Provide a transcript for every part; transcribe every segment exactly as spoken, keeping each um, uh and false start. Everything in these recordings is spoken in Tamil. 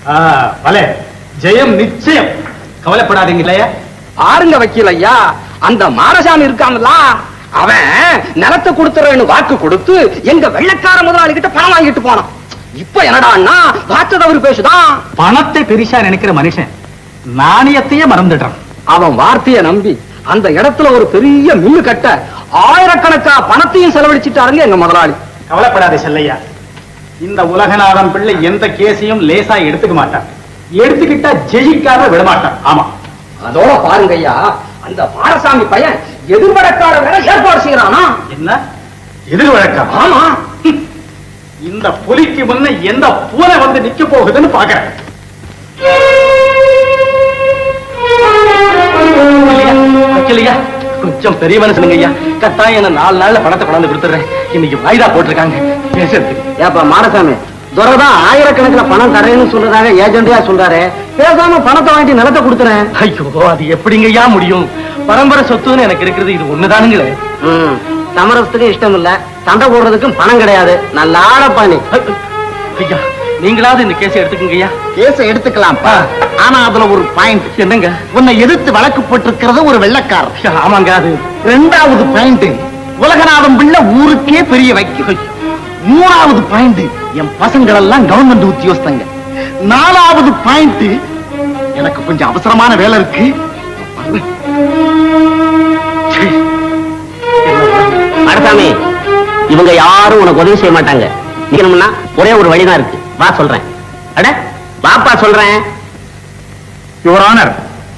பலே ஜெயம் நிச்சயம். கவலைப்படாதீங்க இல்லையா? ஆருங்க வக்கீல் ஐயா, அந்த மாரசாமி இருக்கான்ல, அவன் நிலத்தை கொடுத்துறேன்னு வாக்கு கொடுத்து எங்க வெள்ளைக்கார முதலாளி கிட்ட பணம் வாங்கிட்டு போனான். இப்ப என்னடான்னா வார்த்தை தவறு பேசுதான். பணத்தை பெரிசா நினைக்கிற மனுஷன் நாணயத்தையே மறந்துடுறான். அவன் வார்த்தையை நம்பி அந்த இடத்துல ஒரு பெரிய மில்லு கட்ட ஆயிரக்கணக்கா பணத்தையும் செலவழிச்சிட்டாருங்க எங்க முதலாளி. கவலைப்படாதே செல்லையா, இந்த உலகநாதன் பிள்ளை எந்த கேஸையும் லேசா எடுத்துக்க மாட்டான். எடுத்துக்கிட்டா ஜெயிக்காம விடமாட்டான். ஆமா, அதோட பாருங்க ஐயா, அந்த மாரசாமி பையன் எதிர்வழக்கார வேலை ஏற்பாடு செய்யறானா. என்ன எதிர்வழக்கா? ஆமா, இந்த புலிக்கு முன்ன எந்த பூனை வந்து நிக்க போகுதுன்னு பாக்குறேன். கொஞ்சம் பெரிய மனுஷனுங்க ஐயா, கட்டாயம் என்ன நாலு நாள்ல பணத்தை கொண்டாந்து கொடுத்துறேன். இன்னைக்கு வாய்தா போட்டிருக்காங்க பேசுறதுக்கு. ஏப்பா மாரசாமி, துரைதான் ஆயிரக்கணக்கில் பணம் தரேன்னு சொல்றதாக ஏஜென்டியா சொல்றாரு. பேசாம பணத்தை வாங்கிட்டு நிலத்தை கொடுத்துறேன். ஐயோ, அது எப்படிங்க ஐயா முடியும்? பரம்பரை சொத்துன்னு எனக்கு இருக்கிறது இது ஒண்ணுதானுங்களே. சமரசத்துக்கும் இஷ்டம் இல்ல, சண்டை போடுறதுக்கும் பணம் கிடையாது. நல்ல ஆடப்பாணி. ஐயா, நீங்களாவது இந்த கேஸை எடுத்துக்கங்க ஐயா. கேஸை எடுத்துக்கலாம், ஆனா அதுல ஒரு பாயிண்ட். என்னங்க? உன்னை எதிர்த்து வழக்கு போட்டிருக்கிறது ஒரு வெள்ளக்கார. ஆமாங்க. அது ரெண்டாவது பாயிண்ட், உலகநாதம் பிள்ளை ஊருக்கே பெரிய வைக்கு. மூணாவது பாயிண்ட், என் பசங்கள் எல்லாம் கவர்மெண்ட் உத்தியோகஸ்தங்க. நாலாவது பாயிண்ட், எனக்கு கொஞ்சம் அவசரமான வேலை இருக்கு. மாரசாமி, இவங்க யாரும் உனக்கு உதவி செய்ய மாட்டாங்க. நிக்கணும்னா ஒரே ஒரு வழிதான் இருக்கு. வா சொல்றேன். அட வாப்பா சொல்றேன். யுவர் ஆனர்,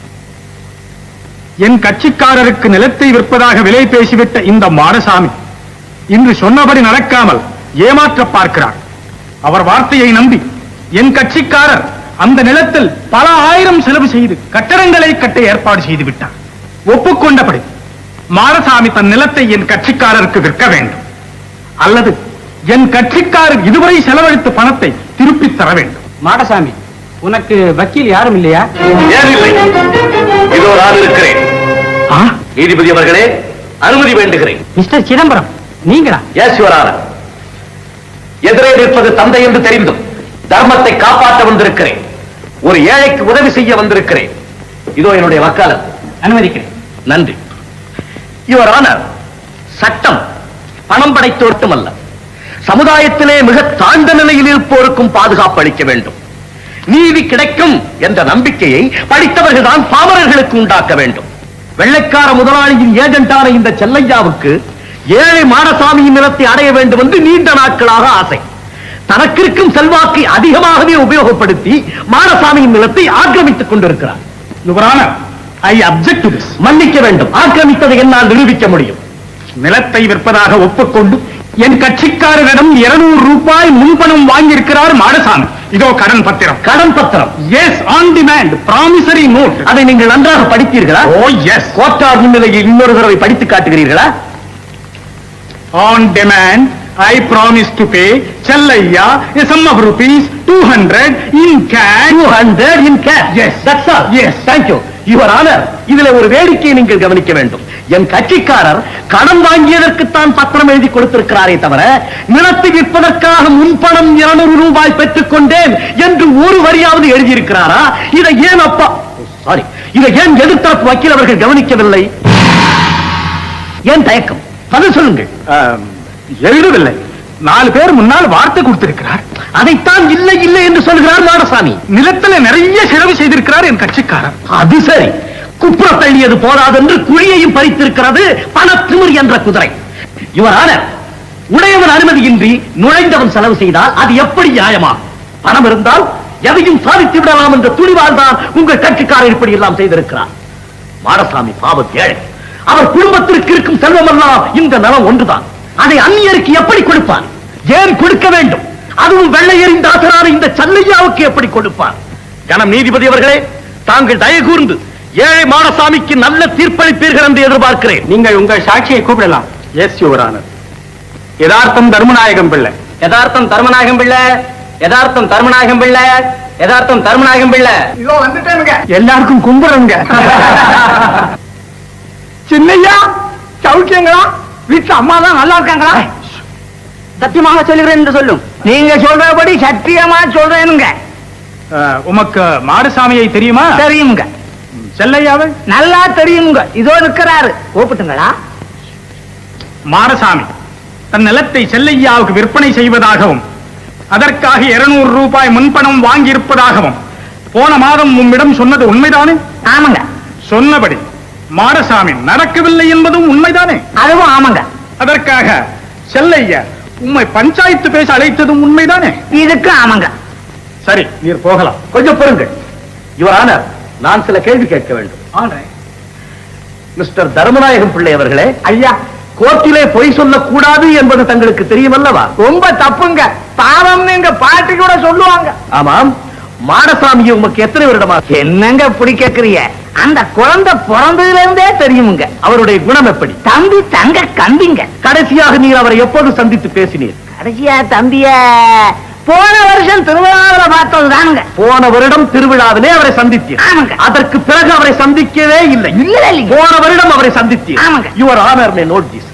என் கட்சிக்காரருக்கு நிலத்தை விற்பதாக விலை பேசிவிட்ட இந்த மாரசாமி இன்று சொன்னபடி நடக்காமல் ஏமாற்ற பார்க்கிறார். அவர் வார்த்தையை நம்பி என் கட்சிக்காரர் அந்த நிலத்தில் பல ஆயிரம் செலவு செய்து கட்டடங்களை கட்ட ஏற்பாடு செய்து விட்டார். ஒப்புக்கொண்டபடி மாரசாமி தன் நிலத்தை என் கட்சிக்காரருக்கு விற்க வேண்டும், அல்லது என் கட்சிக்காரர் இதுவரை செலவழித்த பணத்தை திருப்பி தர வேண்டும். மாரசாமி, உனக்கு வக்கீல் யாரும் இல்லையா? ஏன் இல்லை, இதோ நான் இருக்கிறேன். நீதிபதி அவர்களே, அனுமதி வேண்டுகிறேன். மிஸ்டர் சிதம்பரம், நீங்களா? Yes your honour. எதிரே நிற்பது தந்தை என்று தெரிந்தும் தர்மத்தை காப்பாற்ற வந்திருக்கிறேன். ஒரு ஏழைக்கு உதவி செய்ய வந்திருக்கிறேன். இதோ என்னுடைய வக்காலத். அனுமதிக்கிறேன். நன்றி. யுவர் ஆனர், சட்டம் பணம் படைத்தோர்க்கும் அல்ல, சமுதாயத்திலே மிக தாழ்ந்த நிலையில் இருப்போருக்கும் பாதுகாப்பு அளிக்க வேண்டும். நீதி கிடைக்கும் என்ற நம்பிக்கையை படித்தவர்கள் தான் பாமரர்களுக்கு உண்டாக்க வேண்டும். வெள்ளைக்கார முதலாளியின் ஏஜென்டான இந்த செல்லையாவுக்கு ஏழை மாரசாமியின் நிலத்தை அடைய வேண்டும் என்று நீண்ட நாட்களாக ஆசை. தனக்கிருக்கும் செல்வாக்கை அதிகமாகவே உபயோகப்படுத்தி மாரசாமியின் நிலத்தை ஆக்கிரமித்துக் கொண்டிருக்கிறார். I object to this. மன்னிக்க வேண்டும், ஆக்கிரமித்ததை என்னால் நிரூபிக்க முடியும். நிலத்தை விற்பதாக ஒப்புக்கொண்டு என் கட்சிக்காரரிடம் இருநூறு ரூபாய் முன்பணம் வாங்கியிருக்கிறார் மாரசாமி. இதோ கடன் பத்திரம். கடன் பத்திரம்? Yes, on demand promissory note. அதை நீங்கள் நன்றாக படித்தீர்களா? ஓ எஸ். கோட்டார் முன்னிலையில் இன்னொரு தடவை படித்து காட்டுகிறீர்களா? On demand, I promise to pay Chellaiya a sum of rupees two hundred in cash. two hundred in cash? Yes. That's all. Yes. Thank you. Your Honor, இதிலே ஒரு வேடிக்கையை நீங்கள் கவனிக்க வேண்டும். என் கட்சிக்காரர் கடன் வாங்கியதற்குத்தான் பத்திரம் எழுதி கொடுத்திருக்கிறாரே தவிர நிலத்தை விற்பதற்காக முன்பணம் இருநூறு ரூபாய் பெற்றுக் கொண்டேன் என்று ஒரு வரியாவது எழுதியிருக்கிறாரா? இதை ஏன் அப்பா சாரி இதை ஏன் எதிர்த்தரப்பு வக்கீல் அவர்கள் கவனிக்கவில்லை? ஏன் தயக்கம்? பதில் சொல்லுங்கள். எழுதவில்லை. நாலு பேர் முன்னால் வார்த்தை கொடுத்திருக்கிறார். அதைத்தான் இல்லை இல்லை என்று சொல்கிறார் மாரசாமி. நிலத்தில் நிறைய செலவு செய்திருக்கிறார் என் கட்சிக்காரர். அது சரி, குப்புற தள்ளியது போதாதென்று குழியையும் பறித்திருக்கிறது பணத்திமிர் என்ற குதிரை. இவரான உடையவன் அனுமதியின்றி நுழைந்தவன் செலவு செய்தால் அது எப்படி நியாயமா? பணம் இருந்தால் எதையும் சாதித்து விடலாம் என்ற துணிவால் தான் உங்கள் கட்சிக்காரர் இப்படி எல்லாம் செய்திருக்கிறார். மாரசாமி பாவம் ஏழை. அவர் குடும்பத்திற்கு இருக்கும் செல்வம் எல்லாம் இந்த நலம் ஒன்றுதான். அதை அந்நியருக்கு எப்படி கொடுப்பார்? ஏன் கொடுக்க வேண்டும்? அதுவும் வெள்ளையரின் தாசரான இந்த செல்லையாவுக்கு எப்படி கொடுப்பார்? கணம் நீதிபதி அவர்களே, தாங்கள் தயவு கூர்ந்து ஏழை மாரசாமிக்கு நல்ல தீர்ப்பளிப்பீர்கள் என்று எதிர்பார்க்கிறேன். நீங்கள் உங்கள் சாட்சியை கூப்பிடலாம். Yes your honour. யதார்த்தம் தர்மநாயகம் பிள்ளை. யதார்த்தம் தர்மநாயகம் பிள்ளை. யதார்த்தம் தர்மநாயகம் பிள்ளை. யதார்த்தம் தர்மநாயகம் பிள்ளை. இதோ வந்துட்டேனுங்க. எல்லாருக்கும் கும்பிடுங்க. சின்னையா, சௌக்கியங்களா? வீட்டு அம்மா தான் நல்லா இருக்காங்களா? சத்தியமாக சொல்லுகிறேன் என்று சொல்லும். நீங்க சொல்றபடி சத்தியமா சொல்றேனுங்க. அஹ், உமக்கு மாடசாமியை தெரியுமா? தெரியுங்க. செல்லையாவை நல்லா தெரியுங்க. இதோ இருக்கிறாரு. கூப்பிட்டுங்களா? மாடசாமி தன் நிலத்தை செல்லையாவுக்கு விற்பனை செய்வதாகவும் அதற்காக இருநூறு ரூபாய் முன்பணம் வாங்கியிருப்பதாகவும் போன மாதம் உம்மிடம் சொன்னது உண்மைதானே? ஆமாங்க. சொன்னபடி மாடசாமி நடக்கவில்லை என்பதும் உண்மைதானே? அதுவும் ஆமாங்க. அதற்காக செல்லையா உம்மை பஞ்சாயத்து பேச அழைத்ததும் உண்மைதானே? இதுக்கு ஆமாங்க. சரி, நீர் போகலாம். கொஞ்சம் பொறுங்கள். யுவர் ஆனர், நான் சில கேள்வி கேட்க வேண்டும். மிஸ்டர் தர்மநாயகம் பிள்ளை அவர்களே, ஐயா, கோர்ட்டிலே பொய் சொல்லக்கூடாது என்பது தங்களுக்கு தெரியுமல்லவா? ரொம்ப தப்புங்க. பாவம்னு எங்க பாட்டி கூட சொல்லுவாங்க. ஆமாம். மாடசாமியை உமக்கு எத்தனை வருடமா? என்னங்க இப்படி கேக்குறீங்க? அந்த குழந்தை பிறந்ததுல இருந்தே தெரியுமுங்க. அவருடைய குணம் எப்படி? தம்பி தங்க கம்பிங்க. கடைசியாக நீர் அவரை எப்போது சந்தித்து பேசினீர்? கடைசியா தம்பிய போன வருஷம் திருவிழாவில பார்த்ததுதானுங்க. போன வருடம் திருவிழாவிலே அவரை சந்தித்தீர். ஆமாங்க. அதற்கு பிறகு அவரை சந்திக்கவே இல்லை. இல்ல இல்லைங்க. போன வருடம் அவரை சந்தித்தீர். ஆமாங்க. Your honour may note this.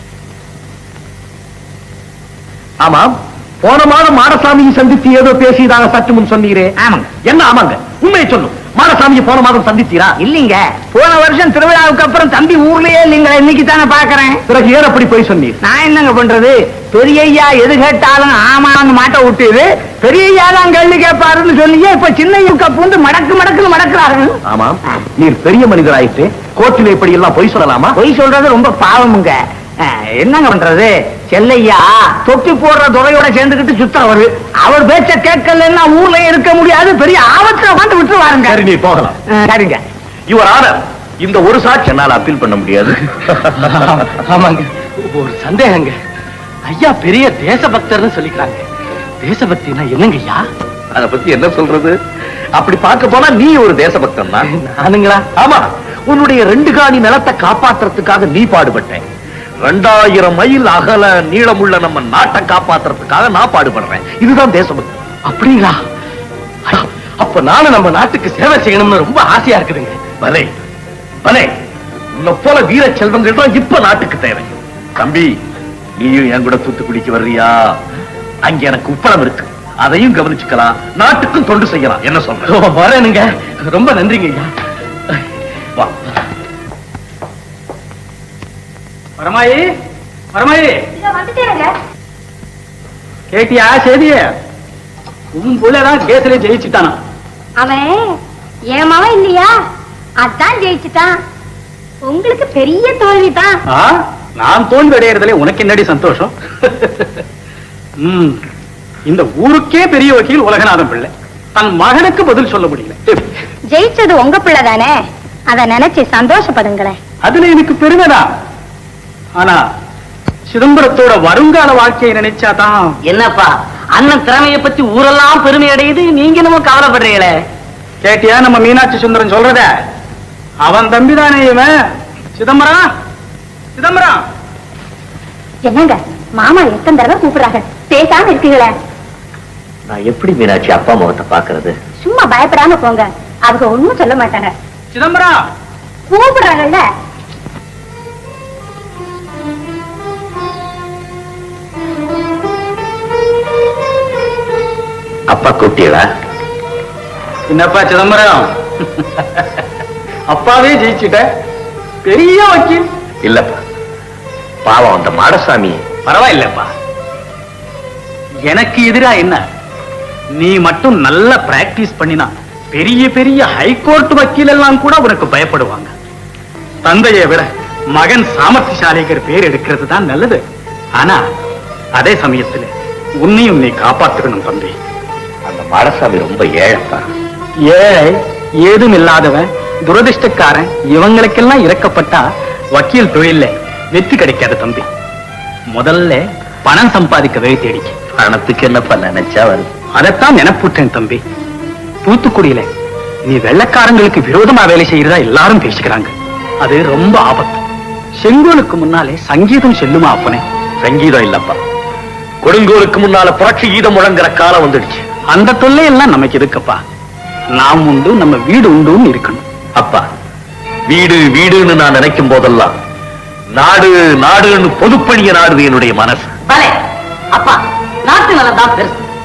ஆமாம். போன மாதம் மாடசாமியை சந்தித்து ஏதோ பேசியதாக சற்று முன் சொன்னீரே. ஆமாங்க. என்ன ஆமாங்க? உண்மையை சொல்லும். மாடசாமியை போன மாதம் சந்தித்தீரா? இல்லீங்க. போன வருஷம் திருவிழாவுக்கு அப்புறம் தம்பி ஊர்லயே இல்லீங்களா? இன்னைக்கு தானே பாக்குறேன். பிறகு ஏன் அப்படி போய் சொன்னீர்? நான் என்னங்க பண்றது? பெரியய்யா எது கேட்டாலும் ஆமான்னு மாட்ட விட்டுது. பெரியய்யா தான் கேள்வி கேட்பாருன்னு சொல்லியே இப்ப சின்னையுக்க பூந்து மடக்கு மடக்குன்னு மடக்குறாரு. ஆமாம். நீர் பெரிய மனிதராயிற்று. கோர்ட்டில் இப்படி எல்லாம் பொய் சொல்லலாமா? பொய் சொல்றது ரொம்ப பாவமுங்க. அஹ், என்னங்க பண்றது? செல்லையா தொட்டி போடுற துறையோட சேர்ந்துக்கிட்டு சுத்தவரு. அவர் பேச்ச கேட்கலன்னா ஊர்ல இருக்க முடியாது. பெரிய ஆபத்துல வந்து விட்டுருவாருங்க. சரி, நீர் போகலாம். அஹ், சரிங்க. யுவர் ஆனர், இந்த ஒரு சாட்சி என்னால் அப்பீல் பண்ண முடியாது. ஆமாங்க. ஒரு சந்தேகங்க. ஐயா பெரிய தேசபக்தர்னு சொல்லிக்கிறாங்க. தேசபக்தினா என்னங்க ஐயா? அத பத்தி என்ன சொல்றது? அப்படி பார்க்க போனா நீ ஒரு தேசபக்தன் தான். நானுங்களா? ஆமா. உன்னுடைய ரெண்டு காணி நிலத்தை காப்பாத்துறதுக்காக நீ பாடுபட்டேன். ரெண்டாயிரம் மைல் அகல நீளமுள்ள நம்ம நாட்டை காப்பாத்துறதுக்காக நான் பாடுபடுறேன். இதுதான் தேசபக்தி. அப்படிங்களா? அப்ப நானும் நம்ம நாட்டுக்கு சேவை செய்யணும்னு ரொம்ப ஆசையா இருக்குதுங்க. பலே பலே, உன்னை போல வீர செல்வங்கள் தான் இப்ப நாட்டுக்கு தேவை. தம்பி, நீயும் என் கூட தூத்துக்குடிக்கு வர்றியா? அங்க எனக்கு உப்பளம் இருக்கு. அதையும் கவனிச்சுக்கலாம். நாட்டுக்கும் தொண்டு செய்யலாம். என்ன சொல்ற? வரேனுங்க. ரொம்ப நன்றிங்க ஐயா. வா. வரமாயி, வரமாயி, வந்துட்டேங்க. கேட்டியா செய்திய? உன் புள்ளதான் கேஸ்ல ஜெயிச்சுட்டானா? அவன் என் மவன் இல்லையா? அதான் ஜெயிச்சுட்டான். உங்களுக்கு பெரிய தோல்விதான். ஆ, நான் தோல்வி அடையறதுல உனக்கு என்னடி சந்தோஷம்? ம், இந்த ஊருக்கே பெரிய வக்கீல் உலகநாதன் பிள்ளை தன் மகனுக்கு பதில் சொல்ல முடியல. ஜெயிச்சது உங்க பிள்ளை தானே, அத நினைச்சு சந்தோஷப்படுங்களேன். அதுல எனக்கு பெருமைதான். ஆனா சிதம்பரத்தோட வருங்கால வாழ்க்கையை நினைச்சாதான். என்னப்பா அண்ணன் திறமையை பத்தி ஊரெல்லாம் பெருமை அடையுது, நீங்க என்னமோ கவலைப்படுறீங்களே. கேட்டியா நம்ம மீனாட்சி சுந்தரம் சொல்றத? அவன் தம்பிதானே இவன். சிதம்பரம், சிதம்பரம். என்னங்க மாமா எத்தனை தடவை கூப்பிடுறாங்க, பேசாம இருக்கீங்களே. நான் எப்படி மீனாட்சி அப்பா முகத்தை பாக்குறது? சும்மா பயப்படாம போங்க, அவங்க ஒண்ணும் சொல்ல மாட்டாங்க. சிதம்பரம், கூப்பிடுறாங்கல்ல. அப்பா கூப்பிட்டீங்களா? என்னப்பா சிதம்பரம், அப்பாவே ஜெயிச்சுட்ட, பெரிய வக்கீல். இல்லப்பா, பாவம் அந்த மாடசாமி. பரவாயில்லப்பா. எனக்கு எதிரா என்ன? நீ மட்டும் நல்ல பிராக்டிஸ் பண்ணினா பெரிய பெரிய ஹைகோர்ட் வக்கீல் எல்லாம் கூட உனக்கு பயப்படுவாங்க. தந்தையை விட மகன் சாமர்த்தியசாலிங்கிற பேர் எடுக்கிறது தான் நல்லது. ஆனா அதே சமயத்துல உன்னையும் நீ காப்பாத்துக்கணும் தம்பி. அந்த மாடசாமி ரொம்ப ஏழைப்பா. ஏழை, ஏதும் இல்லாதவன், துரதிருஷ்டக்காரன், இவங்களுக்கெல்லாம் இறக்கப்பட்டா வக்கீல் தொழில வெற்றி கிடைக்காது தம்பி. முதல்ல பணம் சம்பாதிக்க வழி தேடிக்க. பணத்துக்கு என்னப்பா நினைச்சா வருது. அதைத்தான் நினைப்புட்டேன் தம்பி. தூத்துக்குடியில நீ வெள்ளக்காரங்களுக்கு விரோதமா வேலை செய்யறதா எல்லாரும் பேசிக்கிறாங்க. அது ரொம்ப ஆபத்து. செங்கோலுக்கு முன்னாலே சங்கீதம் செல்லுமா அப்பனே? சங்கீதம் இல்லப்பா, கொடுங்கோலுக்கு முன்னால புரட்சி கீதம் முழங்குற காலம் வந்துடுச்சு. அந்த தொல்லை எல்லாம் நமக்கு எதுக்குப்பா? நாம் உண்டு, நம்ம வீடு உண்டுன்னு இருக்கணும். அப்பா, வீடு வீடுன்னு நான் நினைக்கும் போதெல்லாம் நாடு நாடுன்னு பொதுப்பணிய நாடுது என்னுடைய மனசு. பலே அப்பா, நாட்டு நலம் தான் பெருசு.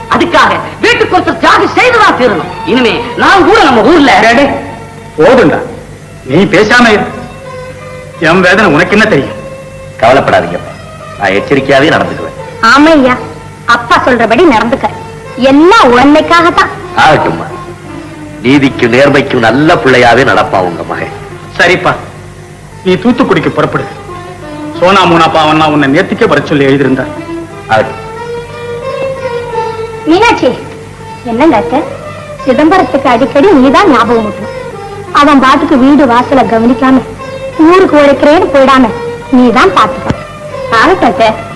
அதுக்காக வீட்டுக்கு ஒருத்தர் தியாகி செய்துதான் தீரணும். இனிமே நான் கூட நம்ம ஊர்ல போதுண்டா, நீ பேசாம இரு. என் வேதனை உனக்கு என்ன தெரியும்? கவலைப்படாதீங்கப்பா, நான் எச்சரிக்கையாவே நடந்துக்குவேன். ஆமா ஐயா, அப்பா சொல்றபடி நடந்துக்க. எல்லாம் உண்மைக்காகத்தான். ஆகட்டும்மா, நீதிக்கும் நேர்மைக்கும் நல்ல பிள்ளையாவே நடப்பா உங்க மகன். சரிப்பா, நீ தூத்துக்குடிக்கு புறப்படு. சோனா மூனா பாவன்னா உன்னை நேர்த்திக்கே வர சொல்லி எழுதியிருந்தார். ஆகட்டும். மீனாட்சி, என்னங்க அத்தை, சிதம்பரத்துக்கு அடிக்கடி நீதான் ஞாபகம் ஊட்டணும். அவன் பாட்டுக்கு வீடு வாசல கவனிக்காம ஊருக்கு உழைக்கிறேன்னு போயிடாம நீதான் பாத்துக்க. ஆகட்டும் அத்தை.